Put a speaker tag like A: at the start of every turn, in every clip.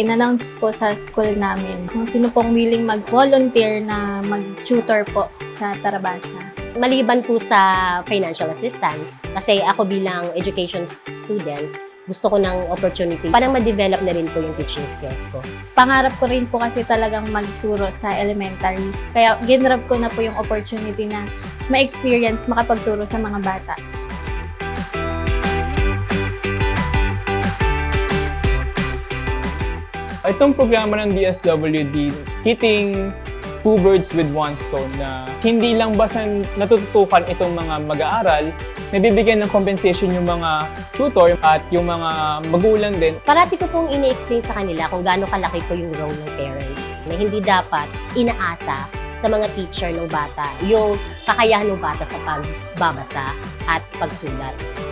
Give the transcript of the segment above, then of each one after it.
A: in-announce po sa school namin kung sino pong willing mag-volunteer na mag-tutor po sa Tarabasa.
B: Maliban po sa financial assistance, kasi ako bilang education student, gusto ko ng opportunity para ma-develop na rin po yung teaching skills ko.
A: Pangarap ko rin po kasi talagang magturo sa elementary. Kaya ginrab ko na po yung opportunity na ma-experience makapagturo sa mga bata.
C: Itong programa ng DSWD, hitting two birds with one stone, na hindi lang basta natututukan itong mga mag-aaral, nabibigyan ng compensation yung mga tutor at yung mga magulang din.
B: Parati ko pong ini-explain sa kanila kung gaano kalaki po yung role ng parents, na hindi dapat inaasa sa mga teacher ng bata yung kakayahan ng bata sa pagbabasa at pagsulat.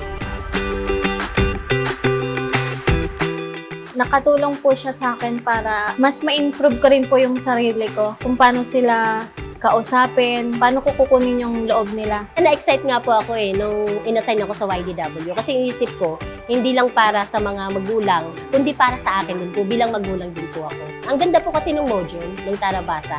A: Nakatulong po siya sa akin para mas ma-improve ko rin po yung sarili ko. Kung paano sila kausapin, paano ko kukunin yung loob nila.
B: Na-excite nga po ako nung inassign ako sa YDW kasi inisip ko, hindi lang para sa mga magulang, kundi para sa akin din po, bilang magulang din po ako. Ang ganda po kasi ng module, ng Tarabasa.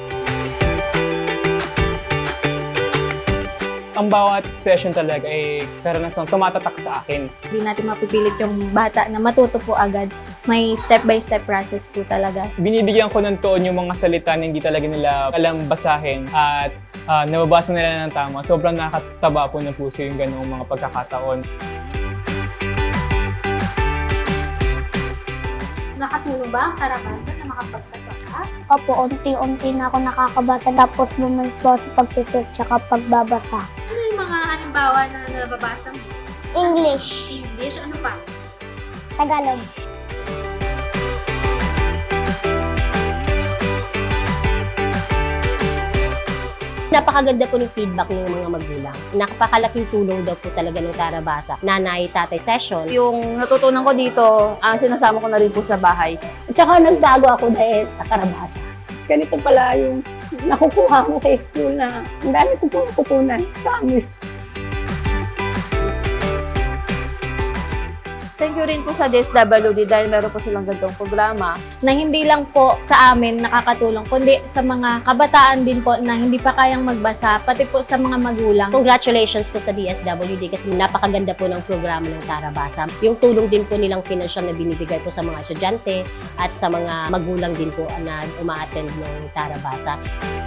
C: Ang bawat session talaga ay karanasang tumatatak sa akin.
A: Hindi natin mapipilit yung bata na matuto po agad. May step-by-step process po talaga.
C: Binibigyan ko ng toon yung mga salita na hindi talaga nila alam basahin at nababasa nila ng tama. Sobrang nakataba po ng puso yung ganung mga pagkakataon.
A: Nakatulong ba ang Tarabasa na makapagpasa ka?
D: Opo, unti-unti na ako nakakabasa tapos bumalik po sa pagsusulat tsaka pagbabasa.
A: Ano yung mga halimbawa na nababasa mo?
D: English,
A: English, ano pa?
D: Tagalog.
B: Napakaganda po ng feedback ng mga magulang. Napakalaking tulong daw po talaga ng Tarabasa. Nanay, tatay session.
E: Yung natutunan ko dito, sinasama ko na rin po sa bahay.
D: At saka nagbago ako dahil sa Tarabasa. Ganito pala yung nakukuha mo sa school na ang dami ko pong natutunan. Promise.
E: Thank you rin po sa DSWD dahil meron po silang ganitong programa.
A: Na hindi lang po sa amin nakakatulong, kundi sa mga kabataan din po na hindi pa kayang magbasa, pati po sa mga magulang.
B: Congratulations po sa DSWD kasi napakaganda po ng programa ng Tarabasa. Yung tulong din po nilang financial na binibigay po sa mga estudyante at sa mga magulang din po na uma-attend ng Tarabasa.